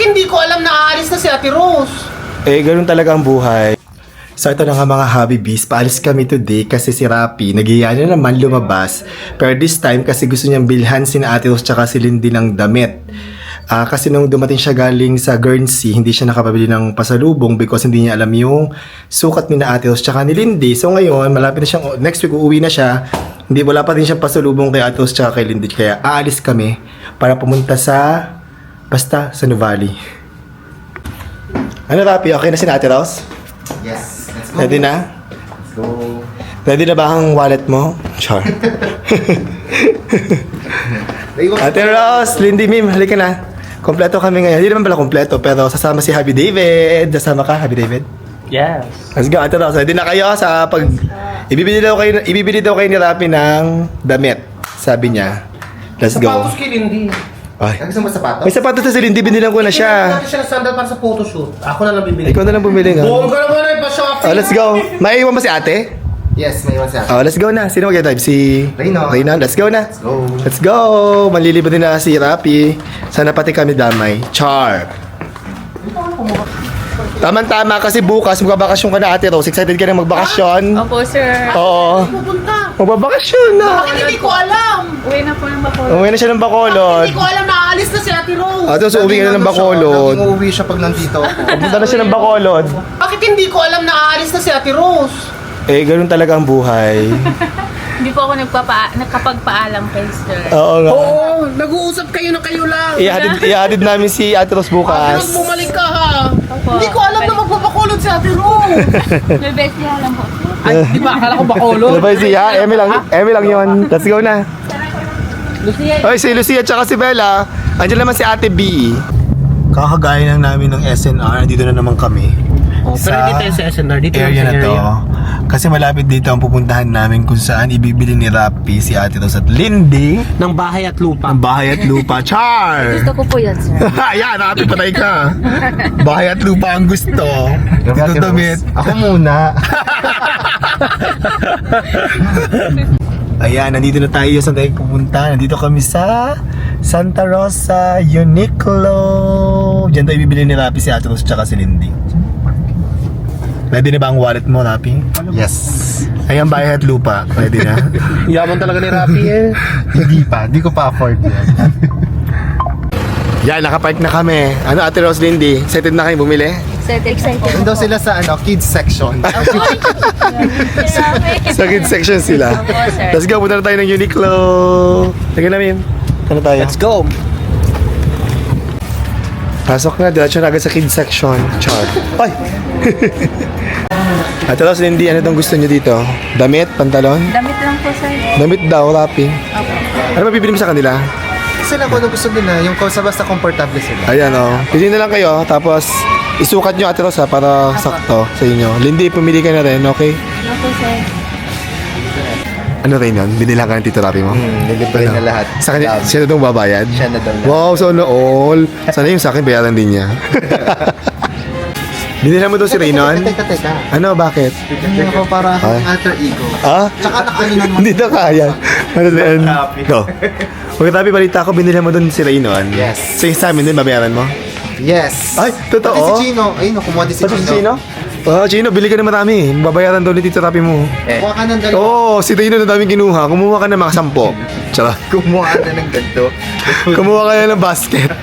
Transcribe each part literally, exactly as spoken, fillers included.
hindi ko alam na aalis na si Ate Rose? Eh, ganun talaga ang buhay. So ito na nga mga hobby bees, paalis kami today kasi si Rapi, nagiya na naman lumabas. Pero this time kasi gusto niyang bilhan si Ate Rose tsaka si Lindy ng damit. Ah, kasi nung dumating siya galing sa Guernsey, hindi siya nakapabili ng pasalubong because hindi niya alam yung sukat ni Ate Rose tsaka ni Lindy. So ngayon, malapit na siyang, next week uuwi na siya. Hindi, wala pa rin siyang pasalubong kay Ate Rose tsaka kay Lindy. Kaya aalis kami para pumunta sa, basta sa Nuvali. Ano Rapi, okay na si Ate Rose? Yes, let's go. Ready na? Let's go. Ready na ba ang wallet mo? Char. Ate Rose, Lindy Mim, halika na. Kompleto kami ngayon. Hindi naman pala kompleto, pero sasama si Happy David. Sasama ka, Happy David? Yes. Let's go, Ate Rose. Ready na kayo sa pag... Ibibili daw kayo, ibibili daw kayo ni Rapi ng damit. Sabi niya. Let's go. Sapatos kay Lindy. Ay. Ang gusto mo sapatos? May sapatos na si Lindy, binilang ko na Kailangan siya. natin siya ng sandal para sa photoshoot. Ako na lang bibili. Ikaw na lang bumili nga. Buong ka naman ay pa-shopping. Oh, let's go. Maiiwan ba si ate? Yes, may iwan siya. Oh, let's go na. Sino mag-drive? Si... Reyno. Reyno. Let's go na. Let's go. Let's go! Manlilibot din na si Rapi. Sana pati kami damay. Char! Tama-tama kasi bukas magbabakasyon ka na Ate Rose. Excited ka na magbakasyon? Opo, sir. Oo. Pupunta. Magbabakasyon na. Bakit hindi ko alam? Uwi na po ng Bacolod. Umuwi na siya ng Bacolod. Hindi ko alam na aalis na si Ate Rose. Ate Rose, uwi ka na ng Bacolod. Laging uuwi siya pag nandito ako. Pupunta na siya ng Bacolod. Bakit hindi ko alam na aalis na si Ate Rose? Eh, ganun talaga ang buhay. Hindi po ako nagpapa nakapagpaalam kay sir. Oo nga. Oo, nag-uusap kayo na kayo lang. Ihatid, ihatid namin si Ate Rose Ate bukas. Rose, bumalik ka ha. Opo. Hindi ko alam na magpapakulot si Ate Rose. May bestiya lang po. Ay, di ba? Akala ko bakulot. Ano ba si ha? Emi lang, Emi lang yun. Let's go na. Lucia, Oy, si Lucia tsaka si Bella. Andiyan naman si Ate B. Kakagaya lang namin ng S N R. Dito na naman kami. Oh, pero dito yung sa S N R, dito yung area sa na to. area. Kasi malapit dito ang pupuntahan namin kung saan ibibili ni Rapi si Ate Rose at Lindy Ng bahay at lupa. ang bahay at lupa. Char! gusto ko po yan, sir. Ayan, Ate, patay ka. Bahay at lupa ang gusto. Dito Ate Rose, damit. Ako muna. Ayan, nandito na tayo. Saan tayo pupunta? Nandito kami sa Santa Rosa Uniqlo. Diyan tayo bibili ni Rapi si Ate Rose tsaka si Lindy. Ready na ba ang wallet mo, Rapi? Yes. Ayan, bahay at lupa. Ready na? Yaman talaga ni Rapi eh. Hindi pa. Hindi ko pa afford yan. Yan, nakapark na kami. Ano, Ate Rose, Lindy? Excited na kayo bumili? Excited, excited. Nandun sila sa ano, kids section. Sa kids section sila. Opo, sir. Let's go, punta na tayo ng Uniqlo. Lagyan namin. Ano tayo? Let's go. Pasok na, diretso na agad sa kids section. Char. Ay! Ate Rose, Lindy, ano itong gusto nyo dito? Damit? Pantalon? Damit lang po, sir. Damit daw, Rapi. Opo. Ano mabibili mo sa kanila? Sila kung ano gusto nila, yung kung sa basta komportable sila. Ayan o. Oh. Pili na lang kayo, tapos isukat nyo Ate Rose ha, para sakto sa inyo. Lindy, pumili ka na rin, okay? Opo, sir. Ano rin yun? Binila ka ng Tito Rapi mo? Hmm, nilibre na lahat. Sa kanya, Um, siya na itong babayad? Siya na daw lahat. Wow, so no all. Sana yung sa akin, bayaran din niya. Binila mo daw si Reynon? Teka, teka, teka. Ano, bakit? Hindi ako para Ay. alter ego. Ah? Tsaka nakaano naman. Hindi na kaya. Ano din? Go. Pagkatabi balita ko, binila mo doon si Reynon. Yes. So yung sa amin din, babayaran mo? Yes. Ay, totoo? Pati si Chino. Ayun, kumuha din si Pati Chino. si Chino? Oh, Chino, bili ka na marami. Babayaran daw ni Tito Rapi mo. Kumuha ka ng dalawa. Oo, oh, si Reynon na daming kinuha. Kumuha ka na mga sampo. Tsaka, Kumuha ka na ng ganito. kumuha ka na ng basket.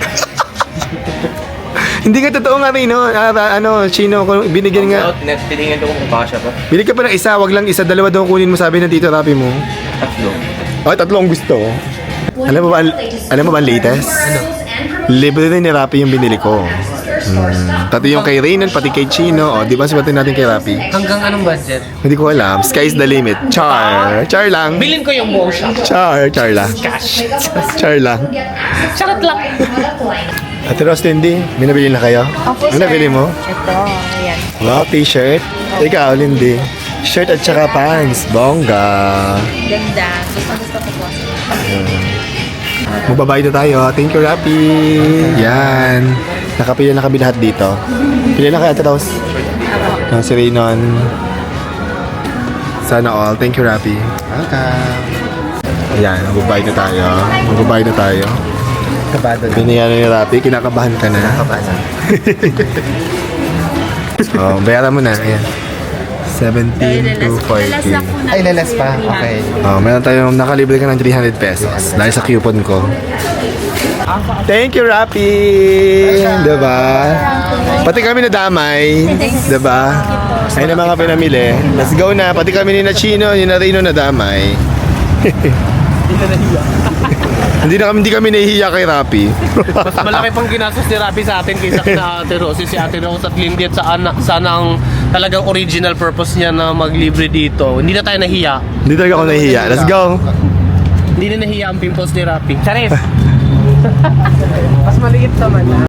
Hindi ka totoo nga Reynon. Ah, ano, Chino, kung binigyan nga. Tinignan ko kung kasha pa. Bili ka pa ng isa, wag lang isa, dalawa daw kunin mo sabi ng Tito Rapi mo. Tatlo. Oh, tatlong gusto. Alam mo ba, ang- alam mo ba ang latest? Libre din ni Rapi yung binili ko. Hmm. Pati yung kay Reynon, pati kay Chino. O, di ba sabatin natin kay Rapi? Hanggang anong budget? Hindi ko alam. Sky's the limit. Char. Char lang. Bilin ko yung buong shop. Char. Char lang. Cash. Char lang. Charot lang. Ate Rose, Lindy, may nabili na kayo? Opo, Ano sir. nabili mo? Ito, ayan. Wow, t-shirt. Ikaw, Lindy. Shirt at saka pants. Bongga. Ganda. Gusto, gusto ko po. Magbabayad na tayo. Thank you, Rapi. Yan. Nakapili na kami lahat dito. Pili na kay Ate Rose. Ang si Reynon. Sana all. Thank you, Rapi. Welcome. Ayan, magbabayad na tayo. Magbabayad na tayo. Kabado na. Binigyan ni Rapi, kinakabahan ka na. Kabado. Oh, bayaran mo na. Ayan. seventeen to forty. Ay, lalas pa. Okay. Oh, meron tayong nakalibre ka ng three hundred pesos dahil sa coupon ko. Thank you, Rapi! Diba? Pati kami nadamay. Diba? Ayun ang mga pinamili. Let's go na. Pati kami ni na Chino, ni na Rino nadamay. Hindi na kami, hindi kami nahihiya kay Rapi. Mas malaki pang ginastos ni Rapi sa atin kaysa kina Ate Rose. Si Ate Rose at Lindy at sana, sana ang talagang original purpose niya na maglibre dito. Hindi na tayo nahiya. Hindi talaga ako nahihiya. Let's go! Hindi na nahiya ang pimples ni Rapi. Charis! Mas maliit naman.